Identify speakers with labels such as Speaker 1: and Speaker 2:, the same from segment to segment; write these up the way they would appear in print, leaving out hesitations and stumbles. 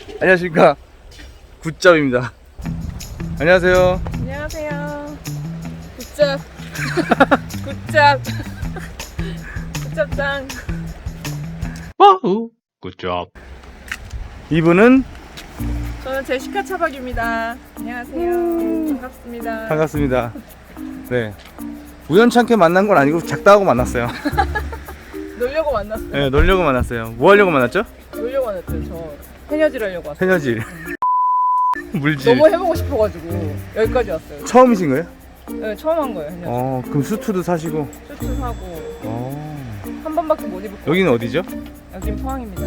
Speaker 1: 안녕하십니까, 굿잡입니다. 안녕하세요.
Speaker 2: 안녕하세요. 굿잡. 굿잡. 굿잡장.
Speaker 1: 와우, 굿잡. 이분은
Speaker 2: 저는 제시카 차박입니다. 안녕하세요. 반갑습니다.
Speaker 1: 반갑습니다. 네, 우연찮게 만난 건 아니고 작다하고 만났어요.
Speaker 2: 놀려고 만났어요.
Speaker 1: 네, 놀려고 만났어요. 뭐 하려고 만났죠?
Speaker 2: 놀려고 만났어요. 저 해녀질 하려고 왔어요.
Speaker 1: 해녀질. 물질.
Speaker 2: 너무 해보고 싶어가지고 여기까지 왔어요.
Speaker 1: 처음이신 거예요?
Speaker 2: 네, 처음 한 거예요. 해녀질.
Speaker 1: 그럼 수트도 사시고.
Speaker 2: 슈트 사고 한 번밖에 못 입을 거.
Speaker 1: 여기는 어디죠?
Speaker 2: 여긴 포항입니다.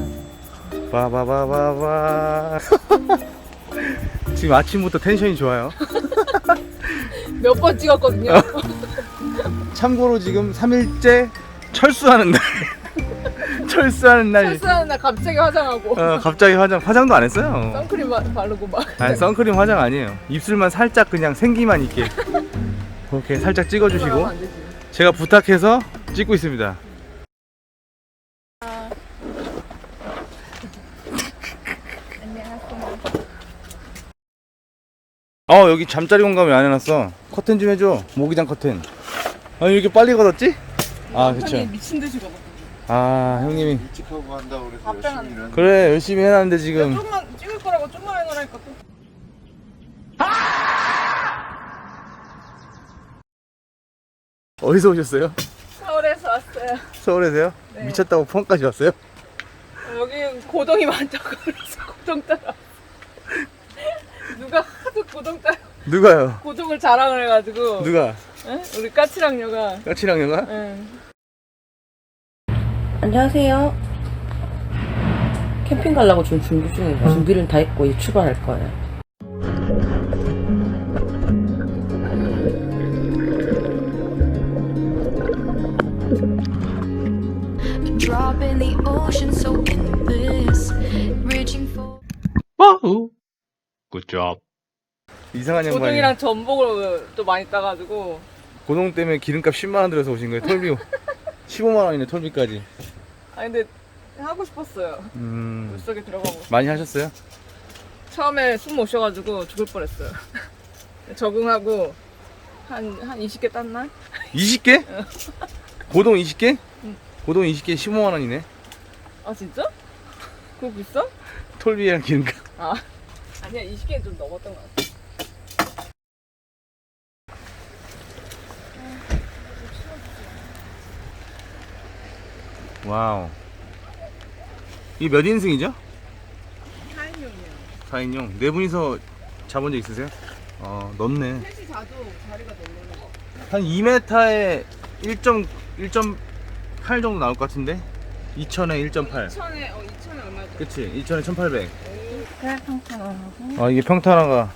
Speaker 1: 바바바바바. 지금 아침부터 텐션이 좋아요.
Speaker 2: 몇 번 찍었거든요.
Speaker 1: 참고로 지금 3일째 철수하는 날. 철수하는 날.
Speaker 2: 철수하는 날 갑자기 화장하고
Speaker 1: 갑자기 화장도 안 했어요.
Speaker 2: 선크림 바르고 막.
Speaker 1: 아니, 선크림 화장 아니에요. 입술만 살짝 그냥 생기만 있게 그렇게 살짝 찍어주시고
Speaker 2: 그러면 안 되지.
Speaker 1: 제가 부탁해서 찍고 있습니다. 여기 잠자리 공간 왜 안 해놨어? 커튼 좀 해줘. 모기장 커튼. 아니, 이렇게 빨리 걷었지? 그쵸.
Speaker 2: 미친 듯이 걷어.
Speaker 1: 형님이
Speaker 3: 일찍하고 간다고 그래서
Speaker 2: 답변 안
Speaker 3: 열심히 일하는
Speaker 1: 그래 열심히 해놨는데 지금
Speaker 2: 좀만 찍을 거라고 좀만 해놓으라니까 또.
Speaker 1: 어디서 오셨어요?
Speaker 2: 서울에서 왔어요.
Speaker 1: 서울에서요?
Speaker 2: 네.
Speaker 1: 미쳤다고 포항까지 왔어요?
Speaker 2: 여기 고동이 많다고 그래서 고동 따라. 누가 하도 고동 따라
Speaker 1: 누가요?
Speaker 2: 고동을 자랑을 해가지고.
Speaker 1: 누가?
Speaker 2: 응? 우리 까치랑녀가.
Speaker 1: 까치랑녀가?
Speaker 2: 응.
Speaker 4: 안녕하세요. 캠핑 가려고 지금 준비 중이에요. 준비는 다 했고 이제 출발할 거예요.
Speaker 5: Drop in the ocean, so endless, reaching for.
Speaker 1: 와우 굿잡. 이상한 양반이
Speaker 2: 고동이랑 전복을 또 많이 따가지고.
Speaker 1: 고동 때문에 기름값 10만원 들여서 오신 거예요. 톨비 15만원이네 톨비까지.
Speaker 2: 근데 하고 싶었어요. 물속에 들어가고.
Speaker 1: 많이 하셨어요?
Speaker 2: 처음에 숨 못 쉬어가지고 죽을 뻔했어요. 적응하고 한 20개 땄나?
Speaker 1: 20개? 고동 20개?
Speaker 2: 응.
Speaker 1: 고동 20개 15만원이네
Speaker 2: 아 진짜? 그거 비싸?
Speaker 1: 톨비랑 기름값.
Speaker 2: 아니야 20개 좀 넘었던 것 같아.
Speaker 1: 와우. 이게 몇 인승이죠?
Speaker 2: 4인용이에요.
Speaker 1: 4인용. 네 분이서 자본 적 있으세요? 넓네.
Speaker 2: 셋이 자도 자리가 너무.
Speaker 1: 한 2m에 1.8 정도 나올 것 같은데? 2,000에 1.8.
Speaker 2: 2천에 얼마죠?
Speaker 1: 그치? 2,000에 1,800.
Speaker 2: 그래 평탄하고.
Speaker 1: 이게 평탄화가.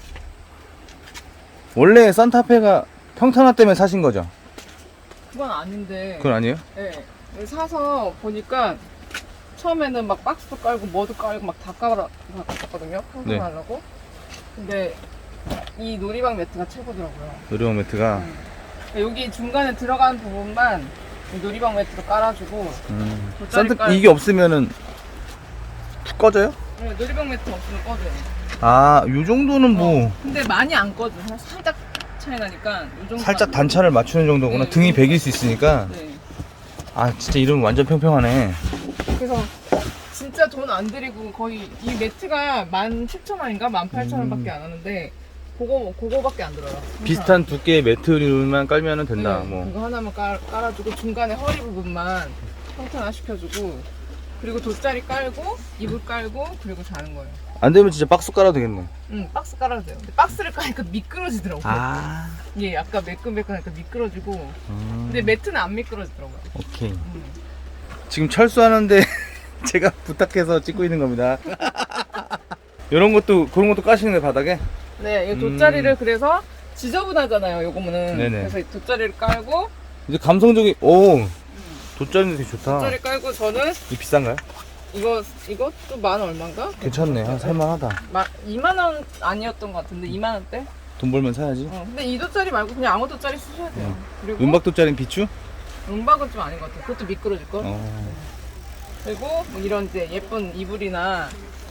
Speaker 1: 원래 산타페가 평탄화 때문에 사신 거죠?
Speaker 2: 그건 아닌데.
Speaker 1: 그건 아니에요?
Speaker 2: 네. 사서 보니까 처음에는 막 박스도 깔고 뭐도 깔고 막 다 깔았거든요. 평탄하려고. 근데 이 놀이방 매트가 최고더라고요.
Speaker 1: 놀이방 매트가.
Speaker 2: 여기 중간에 들어가는 부분만 이 놀이방 매트로 깔아주고 돗자리 깔고.
Speaker 1: 이게 없으면은 푹 꺼져요?
Speaker 2: 네, 놀이방 매트 없으면 꺼져요.
Speaker 1: 요 정도는 뭐
Speaker 2: 근데 많이 안 꺼져. 그냥 살짝 차이 나니까 이 정도.
Speaker 1: 살짝 단차를 맞추는 정도구나.
Speaker 2: 네.
Speaker 1: 등이 100일 수 있으니까.
Speaker 2: 네.
Speaker 1: 진짜 이름 완전 평평하네.
Speaker 2: 그래서 진짜 돈 안 들이고 거의 이 매트가 17,000원인가 18,000원밖에 안 하는데 그거밖에 안 들어요.
Speaker 1: 비슷한 두께의 매트만 깔면은 된다.
Speaker 2: 네,
Speaker 1: 뭐.
Speaker 2: 그거 하나만 깔아주고 중간에 허리 부분만 평탄화 시켜주고 그리고 돗자리 깔고 이불 깔고 그리고 자는 거예요.
Speaker 1: 안 되면 진짜 박스 깔아도 되겠네.
Speaker 2: 박스 깔아도 돼요. 근데 박스를 까니까 미끄러지더라고요. 예, 아까 매끈매끈하니까 미끄러지고 근데 매트는 안 미끄러지더라고요.
Speaker 1: 오케이. 지금 철수하는데 제가 부탁해서 찍고 있는 겁니다. 그런 것도 까시는 거예요, 바닥에?
Speaker 2: 네, 이 돗자리를 그래서 지저분하잖아요, 요거는.
Speaker 1: 네네.
Speaker 2: 그래서 이 돗자리를 깔고
Speaker 1: 이제 감성적인, 돗자리는 되게 좋다.
Speaker 2: 돗자리 깔고 저는
Speaker 1: 이 비싼가요?
Speaker 2: 이것도 만 얼마인가?
Speaker 1: 괜찮네. 살만하다.
Speaker 2: 2만 원 아니었던 것 같은데 2만 원대?
Speaker 1: 돈 벌면 사야지.
Speaker 2: 근데 이 돗자리 말고 그냥 아무 돗자리 쓰셔야 돼요. 그리고
Speaker 1: 은박 돗자리는 비추?
Speaker 2: 은박은 좀 아닌 것 같아요. 그것도 미끄러질 걸. 그리고 뭐 이런 이제 예쁜 이불이나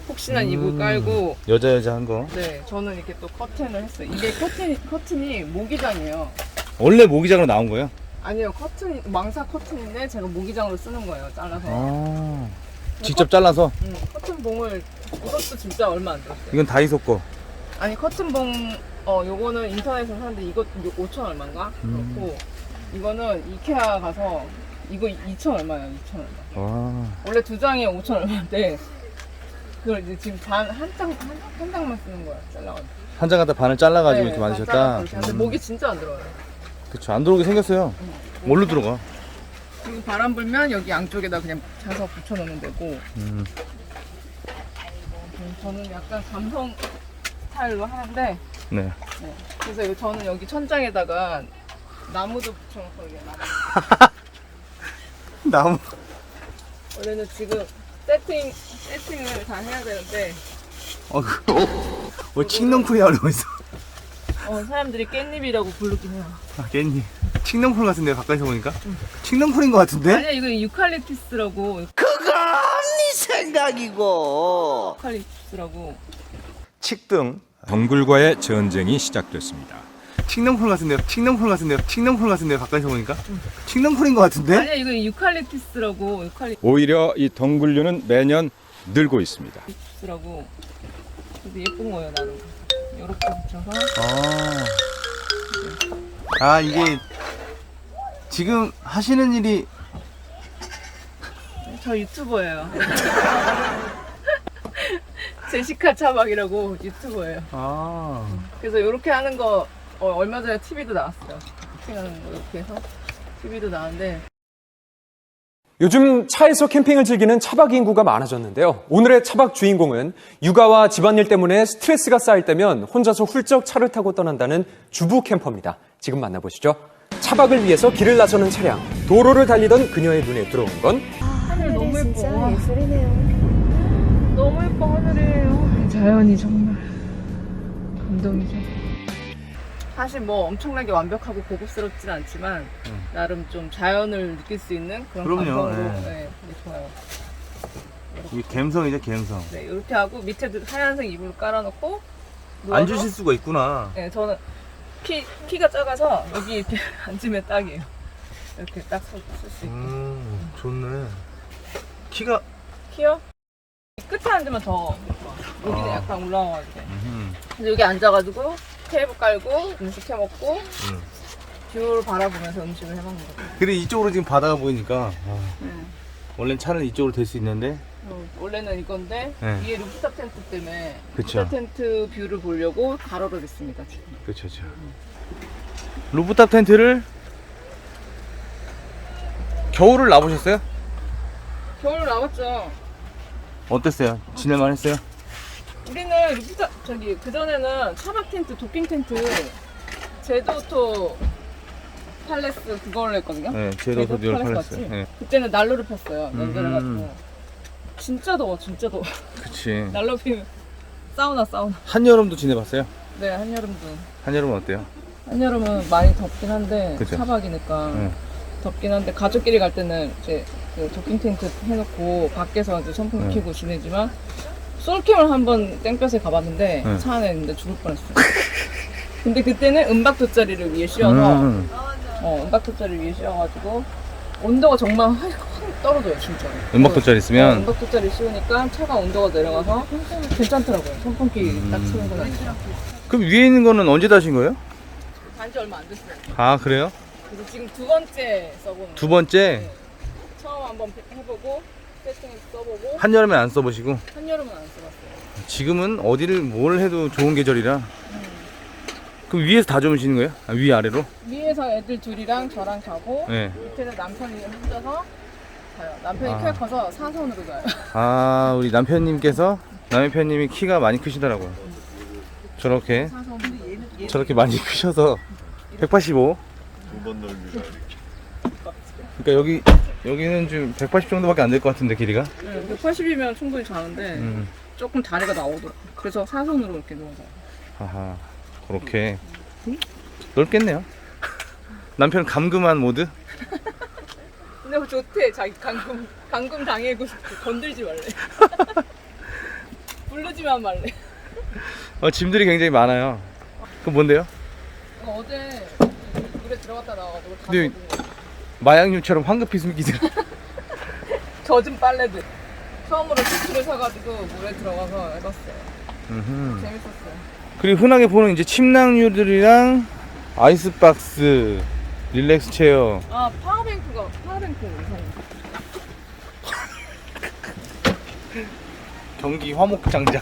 Speaker 2: 혹시나 이불 깔고.
Speaker 1: 여자 한 거.
Speaker 2: 네, 저는 이렇게 또 커튼을 했어요. 이게 커튼이 모기장이에요.
Speaker 1: 원래 모기장으로 나온 거예요?
Speaker 2: 아니요, 망사 커튼인데 제가 모기장으로 쓰는 거예요, 잘라서.
Speaker 1: 아, 직접 잘라서?
Speaker 2: 커튼봉을, 이것도 진짜 얼마 안 들었어요.
Speaker 1: 이건 다이소 거.
Speaker 2: 아니, 커튼봉, 요거는 인터넷에서 샀는데 이것 5천 얼마인가? 그렇고, 이거는 이케아 가서, 이거 2천 얼마예요, 2천 얼마.
Speaker 1: 와.
Speaker 2: 원래 2장에 5천 얼마인데, 그걸 이제 지금 한 장만 쓰는 거야, 잘라가지고.
Speaker 1: 한 장 갖다 반을 잘라가지고
Speaker 2: 네,
Speaker 1: 이렇게 만드셨다?
Speaker 2: 근데 목이 진짜 안 들어요.
Speaker 1: 그쵸, 안 들어오게 생겼어요. 뭘로 들어가?
Speaker 2: 그리고 바람 불면 여기 양쪽에다 그냥 자서 붙여놓으면 되고. 저는 약간 감성 스타일로 하는데.
Speaker 1: 네.
Speaker 2: 네. 그래서 저는 여기 천장에다가 나무도 붙여놓거든요.
Speaker 1: 나무.
Speaker 2: 원래는 지금 세팅을 다 해야 되는데.
Speaker 1: 뭐 칡넝쿨이 하려고 있어.
Speaker 2: 사람들이 깻잎이라고 부르긴 해요.
Speaker 1: 아, 깻잎. 칡넝쿨 같은데, 가까이서 보니까? 칡넝쿨인 것 같은데?
Speaker 2: 아니야, 이거 유칼립투스라고.
Speaker 3: 그건 네 생각이고.
Speaker 2: 유칼립투스라고.
Speaker 1: 칡등.
Speaker 6: 덩굴과의 전쟁이 시작됐습니다.
Speaker 1: 칡넝쿨 같은데요? 칡넝쿨 같은데요? 칡넝쿨 같은데요? 가까이서 보니까? 칡넝쿨인 것 같은데?
Speaker 2: 아니야, 이거 유칼립투스라고.
Speaker 6: 오히려 이 덩굴류는 매년 늘고 있습니다.
Speaker 2: 유칼립투스라고. 근데 예쁜 거예요, 나름. 이렇게 붙여서.
Speaker 1: 이게 지금 하시는 일이
Speaker 2: 저 유튜버예요. 제시카 차박이라고 유튜버예요. 그래서 이렇게 하는 거 얼마 전에 TV도 나왔어요. 캠핑하는 거 이렇게 해서 TV도 나왔는데.
Speaker 7: 요즘 차에서 캠핑을 즐기는 차박 인구가 많아졌는데요. 오늘의 차박 주인공은 육아와 집안일 때문에 스트레스가 쌓일 때면 혼자서 훌쩍 차를 타고 떠난다는 주부 캠퍼입니다. 지금 만나보시죠. 차박을 위해서 길을 나서는 차량. 도로를 달리던 그녀의 눈에 들어온 건
Speaker 2: 하늘 너무 예뻐. 예술이네요. 너무 예뻐 하늘이에요. 자연이 정말 감동이죠. 사실 뭐 엄청나게 완벽하고 고급스럽진 않지만 나름 좀 자연을 느낄 수 있는 그런
Speaker 1: 그럼요,
Speaker 2: 감성으로
Speaker 1: 네.
Speaker 2: 네, 되게 좋아요.
Speaker 1: 이게 갬성이죠, 갬성.
Speaker 2: 네, 이렇게 하고 밑에 하얀색 이불 깔아놓고 누워서-
Speaker 1: 앉으실 수가 있구나.
Speaker 2: 네, 저는 키가 작아서 여기 이렇게 앉으면 딱이에요. 이렇게 딱 쓸 수 있고.
Speaker 1: 좋네. 키가.
Speaker 2: 키요? 끝에 앉으면 더 예뻐. 여기는
Speaker 1: 아.
Speaker 2: 약간 올라와가지고. 근데 여기 앉아가지고 테이블 깔고 음식 해 먹고 뷰를 바라보면서 음식을 해 먹는 거죠.
Speaker 1: 근데 이쪽으로 지금 바다가 보이니까
Speaker 2: 네.
Speaker 1: 원래는 차는 이쪽으로 될 수 있는데.
Speaker 2: 원래는 이건데
Speaker 1: 네.
Speaker 2: 위에 루프탑 텐트 때문에
Speaker 1: 그쵸.
Speaker 2: 루프탑 텐트 뷰를 보려고 가로를 했습니다. 지금.
Speaker 1: 그렇죠. 루프탑 텐트를 겨울을 놔보셨어요?
Speaker 2: 겨울 나왔죠.
Speaker 1: 어땠어요? 지낼만 했어요?
Speaker 2: 우리는 루프탑 그전에는 차박 텐트, 도킹 텐트 제도토 팔레스 그걸로 했거든요.
Speaker 1: 네, 제도토 듀얼 팔레스.
Speaker 2: 맞지?
Speaker 1: 네.
Speaker 2: 그때는 난로를 폈어요. 연결해가지고 진짜 더워.
Speaker 1: 그치.
Speaker 2: 난로 피면 사우나.
Speaker 1: 한여름도 지내봤어요?
Speaker 2: 네, 한여름도.
Speaker 1: 한여름은 어때요?
Speaker 2: 한여름은 많이 덥긴 한데
Speaker 1: 그죠.
Speaker 2: 차박이니까
Speaker 1: 네.
Speaker 2: 덥긴 한데 가족끼리 갈 때는 이제 그 도킹 텐트 해놓고 밖에서 이제 선풍기 켜고 지내지만 솔캠을 한번 땡볕에 가봤는데
Speaker 1: 네.
Speaker 2: 차 안에 있는데 죽을 뻔했어요. 근데 그때는 은박 돗자리를 위에 씌워서 은박 돗자리를 위에 씌워가지고 온도가 정말 확 떨어져요, 진짜.
Speaker 1: 은박 돗자리 있으면?
Speaker 2: 은박 돗자리 씌우니까 차가 온도가 내려가서 괜찮더라고요. 선풍기 딱 씌우고 나니까.
Speaker 1: 그럼 위에 있는 거는 언제 다신 거예요?
Speaker 2: 단지 얼마 안 됐어요.
Speaker 1: 아, 그래요?
Speaker 2: 그래서 지금 두 번째 써보는
Speaker 1: 두 번째?
Speaker 2: 네. 처음 한번 해보고 세팅해서 써보고
Speaker 1: 한여름에 안 써보시고
Speaker 2: 한여름은 안 써봤어요.
Speaker 1: 지금은 어디를 뭘 해도 좋은 계절이라. 그럼 위에서 다 주무시는 거예요? 위 아래로?
Speaker 2: 위에서 애들 둘이랑 저랑 자고
Speaker 1: 네.
Speaker 2: 밑에는 남편이 혼자서 자요. 남편이
Speaker 1: 아.
Speaker 2: 키가 커서 사선으로 자요.
Speaker 1: 아, 우리 남편님이 키가 많이 크시더라고요. 저렇게 저렇게 많이 크셔서 185. 그러니까 여기는 지금 180 정도밖에 안 될 것 같은데 길이가.
Speaker 2: 네, 180이면 충분히 자는데 조금 다리가 나오더라고요. 그래서 사선으로 이렇게 누워서.
Speaker 1: 아하, 그렇게 넓겠네요. 남편 감금한 모드?
Speaker 2: 근데 뭐 좋대. 자기 감금 당해고 건들지 말래. 부르지만 말래.
Speaker 1: 짐들이 굉장히 많아요. 그건 뭔데요?
Speaker 2: 어제 물에 들어갔다 나와가지고 다
Speaker 1: 근데
Speaker 2: 젖은 거.
Speaker 1: 마약류처럼 황급히 숨기세요.
Speaker 2: 젖은 빨래들. 처음으로 티슈를 사가지고 물에 들어가서 해봤어요. 재밌었어요.
Speaker 1: 그리고 흔하게 보는 이제 침낭류들이랑 아이스박스, 릴렉스 체어.
Speaker 2: 아 파워뱅크 이상해.
Speaker 1: 경기 화목장작.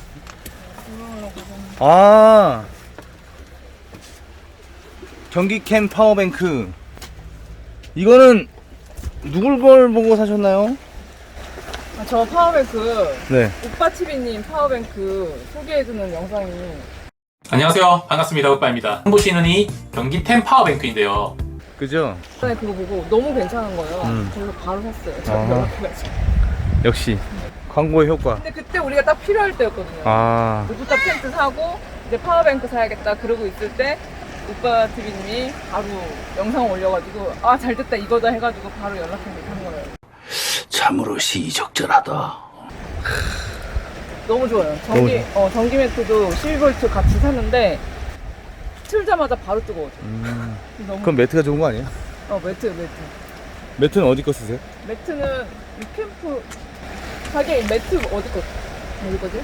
Speaker 1: 아, 경기 캠 파워뱅크. 이거는 누굴 걸 보고 사셨나요?
Speaker 2: 아, 저 파워뱅크
Speaker 1: 네.
Speaker 2: 오빠TV님 파워뱅크 소개해주는 영상이
Speaker 8: 안녕하세요. 반갑습니다. 오빠입니다. 보시는 이 경기 템 파워뱅크인데요.
Speaker 1: 그죠?
Speaker 2: 전에 그거 보고 너무 괜찮은 거예요. 그래서 바로 샀어요. 저 연락해가지고.
Speaker 1: 역시 광고의 효과.
Speaker 2: 근데 그때 우리가 딱 필요할 때였거든요.
Speaker 1: 아,
Speaker 2: 루프탑 텐트 사고 이제 파워뱅크 사야겠다 그러고 있을 때 오빠TV님이 바로 영상 올려가지고 아 잘됐다 이거다 해가지고 바로 연락해서 산 거예요.
Speaker 3: 참으로 시의적절하다.
Speaker 2: 너무 좋아요. 전기 매트도 12V 같이 샀는데 틀자마자 바로 뜨거워져. 너무
Speaker 1: 그럼 매트가 좋은 거 아니에요?
Speaker 2: 매트.
Speaker 1: 매트는 어디 거 쓰세요?
Speaker 2: 매트는 유캠프 자기 매트 어디 거지?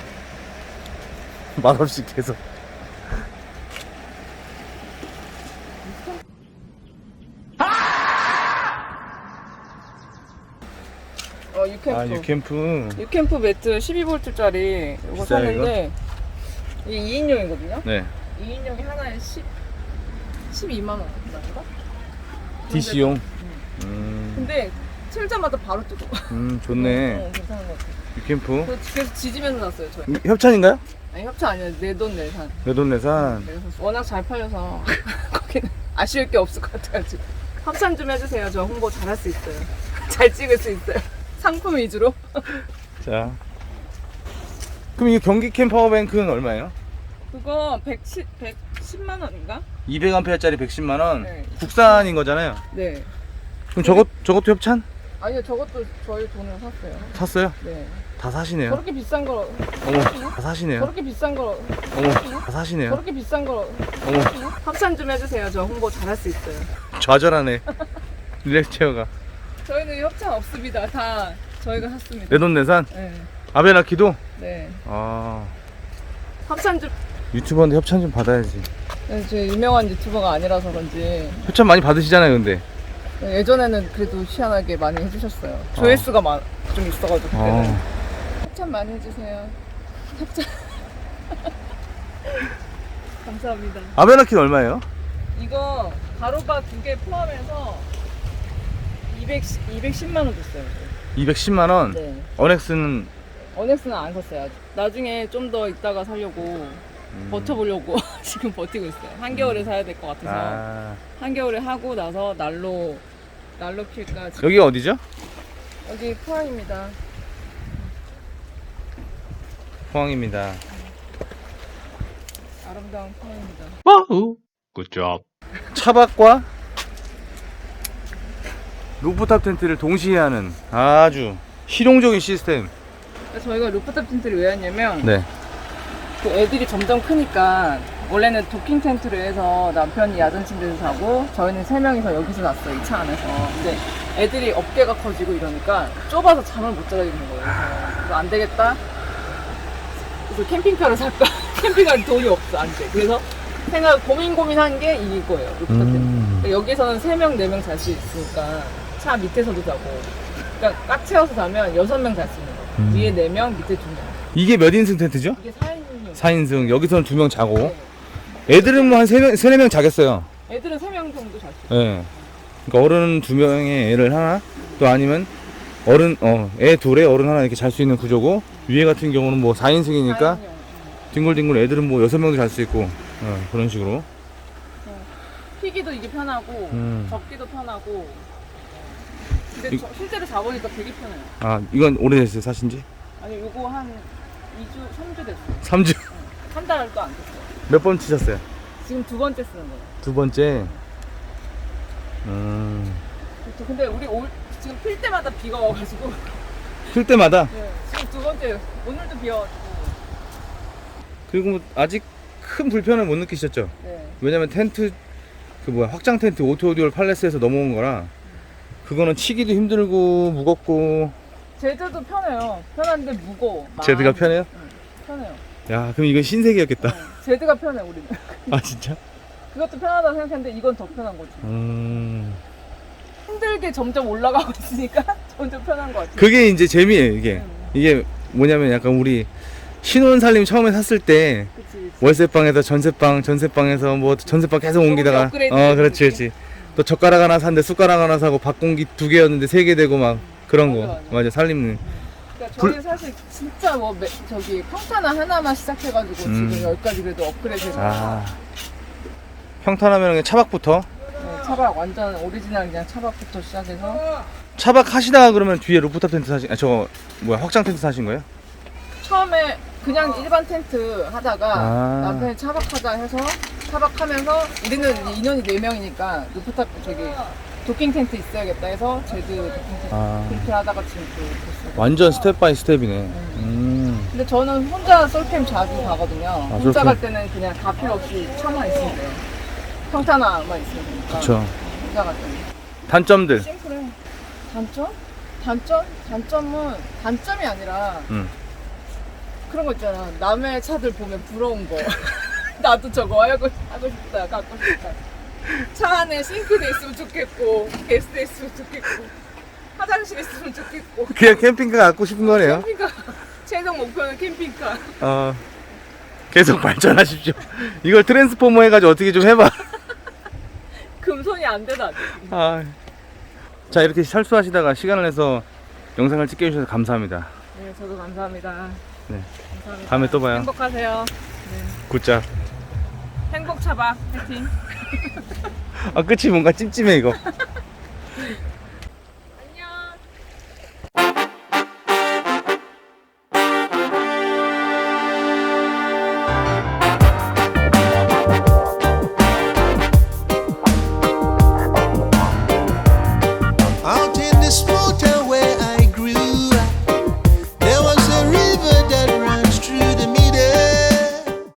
Speaker 1: 말없이 계속.
Speaker 2: 유캠프.
Speaker 1: 유캠프.
Speaker 2: 유캠프 매트 12V짜리 이거
Speaker 1: 비싸요,
Speaker 2: 샀는데 이게 2인용이거든요.
Speaker 1: 네.
Speaker 2: 2인용이 하나에 12만 원 인가?
Speaker 1: DC용.
Speaker 2: 근데 틀자마자 바로 뜨고.
Speaker 1: 좋네.
Speaker 2: 괜찮은 것 같아요.
Speaker 1: 유캠프.
Speaker 2: 그래서 지지면서 샀어요 저희.
Speaker 1: 협찬인가요?
Speaker 2: 아니 협찬 아니에요. 내돈내산.
Speaker 1: 내돈내산.
Speaker 2: 그래서 워낙 잘 팔려서 거기는 아쉬울 게 없을 것 같아가지고 협찬 좀 해주세요. 저 홍보 잘할 수 있어요. 잘 찍을 수 있어요. 상품 위주로.
Speaker 1: 자. 그럼 이 경기 캠 파워뱅크는 얼마예요?
Speaker 2: 그거 110만 원인가?
Speaker 1: 200A짜리 110만 원.
Speaker 2: 네.
Speaker 1: 국산인 거잖아요.
Speaker 2: 네.
Speaker 1: 그럼 저것도 협찬?
Speaker 2: 아니요, 저것도 저희 돈으로 샀어요.
Speaker 1: 샀어요?
Speaker 2: 네.
Speaker 1: 다 사시네요.
Speaker 2: 저렇게 비싼 거.
Speaker 1: 어머, 다 사시네요.
Speaker 2: 저렇게 비싼 거.
Speaker 1: 어머, 다 사시네요.
Speaker 2: 저렇게 비싼 거.
Speaker 1: 어머,
Speaker 2: 협찬 좀 해주세요. 저 홍보 잘할 수 있어요.
Speaker 1: 좌절하네. 릴렉스 체어가.
Speaker 2: 저희는 협찬 없습니다. 다 저희가 샀습니다.
Speaker 1: 내돈내산?
Speaker 2: 네.
Speaker 1: 아베나키도?
Speaker 2: 네.
Speaker 1: 아,
Speaker 2: 협찬 좀.
Speaker 1: 유튜버인데 협찬 좀 받아야지.
Speaker 2: 네, 저 유명한 유튜버가 아니라서 그런지
Speaker 1: 협찬 많이 받으시잖아요, 근데.
Speaker 2: 예전에는 그래도 희한하게 많이 해주셨어요. 조회수가 좀 있어가지고 그때는. 협찬 많이 해주세요. 협찬. 감사합니다.
Speaker 1: 아베나키는 얼마예요?
Speaker 2: 이거 가로바 2개 포함해서 210만 원 줬어요.
Speaker 1: 210만 원.
Speaker 2: 네.
Speaker 1: 어넥스는
Speaker 2: 어넥스는 안 샀어요. 아직. 나중에 좀 더 있다가 사려고 버텨보려고 지금 버티고 있어요. 한겨울에 사야 될 것 같아서 한겨울에 하고 나서 난로 필까 지금.
Speaker 1: 여기가 어디죠?
Speaker 2: 여기 포항입니다.
Speaker 1: 포항입니다.
Speaker 2: 아름다운 포항입니다.
Speaker 1: 차박과 루프탑 텐트를 동시에 하는 아주 실용적인 시스템.
Speaker 2: 저희가 루프탑 텐트를 왜 했냐면
Speaker 1: 네.
Speaker 2: 그 애들이 점점 크니까 원래는 도킹 텐트를 해서 남편이 야전 침대에서 자고 저희는 3명이서 여기서 잤어요. 이 차 안에서. 근데 애들이 어깨가 커지고 이러니까 좁아서 잠을 못 자게 되는 거예요. 그래서 안 되겠다. 그래서 캠핑카를 살까? 캠핑할 돈이 없어, 안 돼. 그래서 고민한 게 이거예요. 루프탑 텐트. 그러니까 여기서는 3명, 4명 잘 수 있으니까 차 밑에서도 자고. 그러니까 꽉 채워서 자면 6명 잘 수 있는 거예요. 위에 4명, 밑에 2명.
Speaker 1: 이게 몇 인승 텐트죠?
Speaker 2: 이게 4인용.
Speaker 1: 4인승. 여기서는 2명 자고.
Speaker 2: 네.
Speaker 1: 애들은 뭐 한 3명 자겠어요.
Speaker 2: 애들은 3명 정도 잘 수 있어요.
Speaker 1: 예. 그러니까 어른 2명에 애를 하나, 또 아니면 애 둘에 어른 하나 이렇게 잘 수 있는 구조고, 위에 같은 경우는 뭐 4인승이니까 뒹굴뒹굴 애들은 뭐 6명도 잘 수 있고, 그런 식으로.
Speaker 2: 피기도 이게 편하고 접기도 편하고. 근데 실제로 자보니까 되게 편해요.
Speaker 1: 아, 이건 오래됐어요, 사신지?
Speaker 2: 아니 요거 한 2주, 3주 됐어요.
Speaker 1: 3주.
Speaker 2: 한 달도 안 됐어요.
Speaker 1: 몇 번 치셨어요?
Speaker 2: 지금 2번째 쓰는 거예요.
Speaker 1: 2번째.
Speaker 2: 근데 우리 지금 필 때마다 비가 와가지고
Speaker 1: 필 때마다?
Speaker 2: 네, 지금 2번째 오늘도 비 와가지고
Speaker 1: 그리고 뭐 아직 큰 불편을 못 느끼셨죠?
Speaker 2: 네.
Speaker 1: 왜냐면 텐트 확장 텐트 오토듀얼 팔레스에서 넘어온 거라 그거는 치기도 힘들고 무겁고.
Speaker 2: 제드도 편해요. 편한데 무거워.
Speaker 1: 제드가 편해요?
Speaker 2: 응, 편해요.
Speaker 1: 야 그럼 이건 신세계였겠다.
Speaker 2: 제드가 편해 우리는.
Speaker 1: 아 진짜?
Speaker 2: 그것도 편하다고 생각했는데 이건 더 편한 거지. 힘들게 점점 올라가고 있으니까 점점 편한 거 같아.
Speaker 1: 그게 이제 재미예요 이게. 이게 뭐냐면 약간 우리 신혼살림 처음에 샀을 때
Speaker 2: 그치.
Speaker 1: 월세방에서 전세방에서 뭐 전세방 계속 옮기다가
Speaker 2: 업그레이드
Speaker 1: 그렇지
Speaker 2: 되지.
Speaker 1: 그렇지. 또 젓가락 하나 샀는데 숟가락 하나 사고 밥공기 2개였는데 3개 되고 막 그런 거. 맞아 살림은.
Speaker 2: 그러니까 저희 사실 진짜 뭐 저기 평탄화 하나만 시작해가지고 지금 여기까지 그래도 업그레이드 돼서
Speaker 1: 평탄하면 그냥 차박부터.
Speaker 2: 네, 차박 완전 오리지널 그냥 차박부터 시작해서
Speaker 1: 차박 하시다가 그러면 뒤에 루프탑 텐트 확장 텐트 사신 거예요?
Speaker 2: 처음에 그냥 일반 텐트 하다가 남편이 차박하자 해서 차박하면서 우리는 인원이 4명이니까 루프탑 도킹 텐트 있어야겠다 해서 제드 도킹 텐트 그렇게 하다가 지금 됐어요.
Speaker 1: 완전 스텝 바이 스텝이네.
Speaker 2: 근데 저는 혼자 솔캠 자주 가거든요. 혼자
Speaker 1: 솔캠.
Speaker 2: 갈 때는 그냥 다 필요 없이 차만 있으면 돼요. 평탄화만 있으면 되니까.
Speaker 1: 그쵸.
Speaker 2: 혼자 갈 때는.
Speaker 1: 단점들.
Speaker 2: 심플해. 단점? 단점은 단점이 아니라 그런 거 있잖아. 남의 차들 보면 부러운 거. 나도 저거 하고 싶다. 갖고 싶다. 차 안에 싱크대 있으면 좋겠고 게스트 있으면 좋겠고 화장실 있으면 좋겠고.
Speaker 1: 그냥 캠핑카 갖고 싶은 거네요.
Speaker 2: 캠핑카 최종 목표는 캠핑카.
Speaker 1: 계속 발전하십시오. 이걸 트랜스포머 해가지고 어떻게 좀 해봐.
Speaker 2: 금손이 안 되다.
Speaker 1: 자 이렇게 철수하시다가 시간을 내서 영상을 찍게 해주셔서 감사합니다.
Speaker 2: 네, 저도 감사합니다.
Speaker 1: 네.
Speaker 2: 감사합니다.
Speaker 1: 다음에 또 봐요.
Speaker 2: 행복하세요.
Speaker 1: 굿잡.
Speaker 2: 행복 차박 파이팅.
Speaker 1: 끝이 뭔가 찜찜해 이거.
Speaker 9: I'll take